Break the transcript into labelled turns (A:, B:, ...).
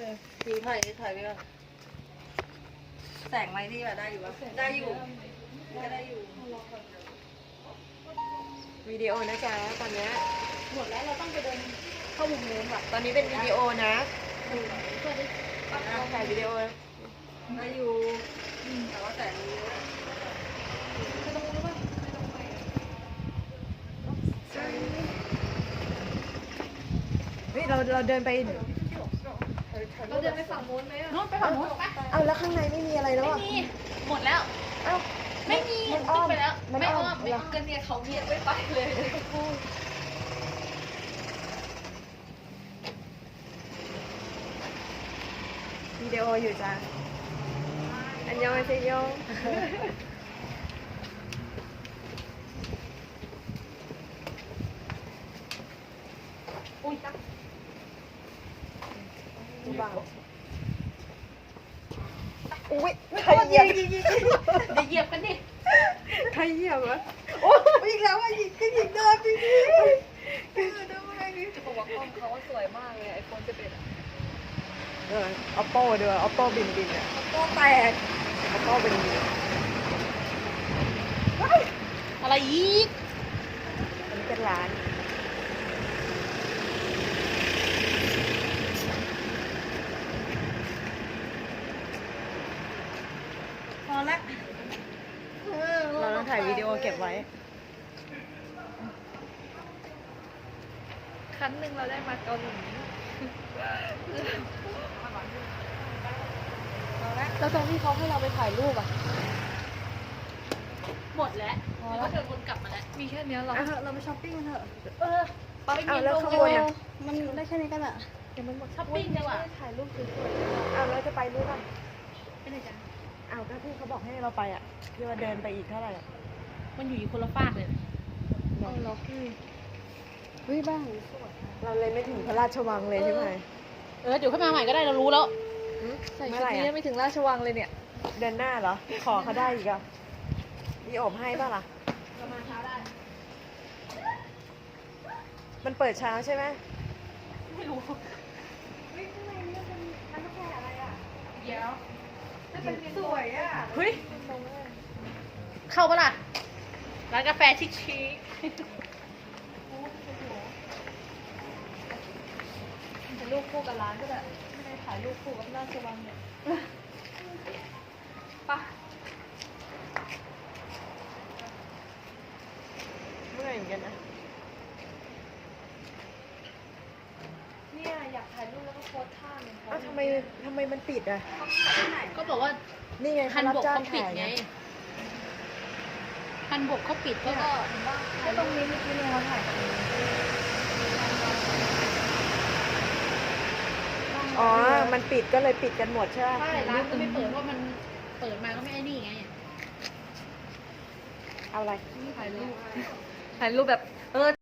A: ดูถ่ายไปก่อนแสงไหมที่แบบได้อยู่ปะได้อยู่ได้อยู่
B: วิดีโอนะจ๊ะตอนนี้
C: หมดแล้วเราต้องไปเดินเข้ามุมนู้นว่ะ
B: ตอนนี้เป็นวิดีโอนะ
C: เพื่อได้
B: ถ่ายวิดีโอ
A: ได้อยู่แต่ว่าแสงนี้
C: ไปตรงนู้นป่ะ
B: เฮ้ยเราเดินไป
C: เราเดินไปฝั่งนู้นไหมอ่ะนู้นไปฝั่งนู้นไป
B: เอาแล้วข้างในไม่มีอะไรแล้ว
C: ไม่
B: อ่ะ
C: มีหมดแล้ว
B: เอ้า
C: ไม่มี
B: มันอ้อม
C: ไปแล้ว
B: มัน
C: ไม่
B: อ้
C: อ้
B: อ
C: อ
B: ม
C: มไม่อ้อมกันเนี่ยเขาเงียบไม่ไปเลย
B: วิดีโออยู่จ้ะอันยองอาเซโย
C: อุ้ยตัก
B: บ้าอุ้ย
C: ใครเหยียบเดี๋ยวเหยียบกันดิ
B: ใครเหยียบวะโอ้อีกแล้วอ่ะยิงก็ยิงเดินไปดิ
A: จะบอกว่ากล้องเขาสวยมากเลยไอโฟน11อ่ะ
B: oppo ด้วย oppo บินอ่ะ
A: โป้แตก
B: oppo บิน
C: อะไรอีก
B: อันนี้เป็นร้าน
A: พอแล้ว
B: เราต้องถ่ายวิดีโอเก็บไว้
C: ครั้งหนึ่งเราได้มาเกาหลีแล้วตรงที่เขาให้เราไปถ่ายรูปอ่ะหมดแล้วก็เดินวนกลับมาแล้วมีแค่นี้หรอ
A: เราไปช้อปปิ้งกันเถอะ
C: ไป
B: เอา
C: กิน
B: แล้ว
C: โล
B: ข้าง
C: โก้
B: บนอ่ะ
A: มันได้แค่นี้กันอ่ะ
B: เดี๋ยวมันหมด
C: ช้อปปิ้งดีกว่า
B: ถ่ายรูปสวยๆเอาแล้วจะไปรู้ป่ะ
C: ไปไหนจ๊ะ
B: เอาก็ที่เขาบอกให้เราไปอ่ะที่ว่าเดินไปอีกเท่าไหร่อ่ะ
C: มันอยู่คนละฟากเลย
B: เอาล็อก
A: เฮ้ยบ้าง
B: เราเลยไม่ถึงพระราชวังเลยใช่ไหม
C: เดี๋ยวค่อยมาใหม่ก็ได้เรารู้แล้ว
B: ใส่ชุดนี้ไม่ถึงราชวังเลยเนี่ย เดินหน้าเหรอ ขอเขาได้อีกอ่ะมีโอบให้ป่ะล่ะ
C: ประมาณเช้าได้
B: มันเปิดเช้าใช่ไหม
C: ไม่รู้ เดี๋ยว
A: สวยอ่ะ
C: เฮ้ย เข้าปะล่ะ ร้านกาแฟชิค
A: เป็นรูปคู่กับร้านก็ได้ไม่ได้ถ่ายรูปคู่กับราชวังเนี่ยปะ
B: เมื่อยเหมือนกันนะ
A: เนี่ยอยากถ่ายรูปแล้วก็โพสท่าเหมือนเขา
B: อ้าวทำไมมันปิดอ่ะ
C: ๆ ก็บอกว่า
B: นี่ไง
C: ฮัน
B: รับบ
C: ก
B: จ้าง
C: เขาปิด
B: ถ่าย
C: ไง
B: ไง
C: ฮันบกเขาปิดก็
A: ก็ตรงนี้เมื่อกี้เนี่ยเขาถ่ายกัน
B: อ๋อ มันปิดก็เลยปิดกันหมดใช่ไหม
C: ใช่ร้านก็ไม่เปิดเพราะมันเปิดมาก็ไม่ไอ้นี่ไง
B: เอาอะไร
A: ถ่ายรูปแบบ